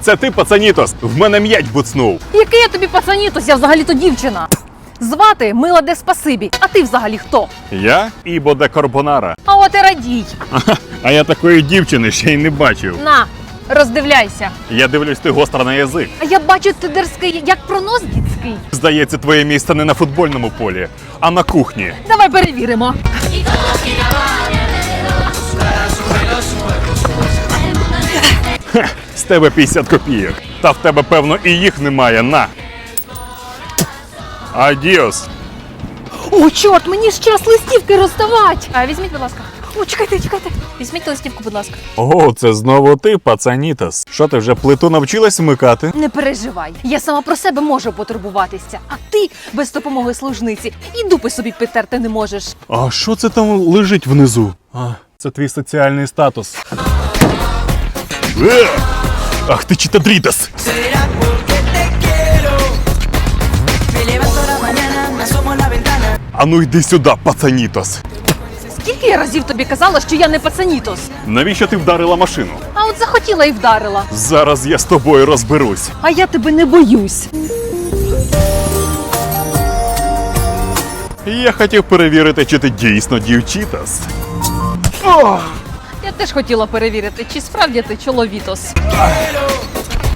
Це ти, пацанітос? В мене м'яч буцнув. Який я тобі пацанітос, я взагалі-то дівчина. Звати Мила де Спасибі, а ти взагалі хто? Я Ібо де Карбонара. А от і радій. А я такої дівчини ще й не бачив. На, роздивляйся. Я дивлюсь, ти гостра на язик. А я бачу, ти дерзкий, як пронос дітський. Здається, твоє місце не на футбольному полі, а на кухні. Давай перевіримо. З тебе 50 копійок. Та в тебе, певно, і їх немає. На. Адіос. О, чорт, мені ж час листівки розставати. А візьміть, будь ласка. О, чекайте. Візьміть листівку, будь ласка. О, це знову ти, пацанітос. Що ти вже плиту навчилась вмикати? Не переживай, я сама про себе можу потурбуватися, а ти без допомоги служниці і дупи собі підтерти не можеш. А що це там лежить внизу? А, це твій соціальний статус. Ах ти читадрітас! Será porque te quiero. Me levanto a la mañana, me asomo a la ventana. А ну йди сюди, пацанітос. Скільки я разів тобі казала, що я не пацанітос? Навіщо ти вдарила машину? А от захотіла і вдарила. Зараз я з тобою розберусь. А я тебе не боюсь. Я хотів перевірити, чи ти дійсно дівчитас. Я теж хотіла перевірити, чи справді ти чоловітос. Quiero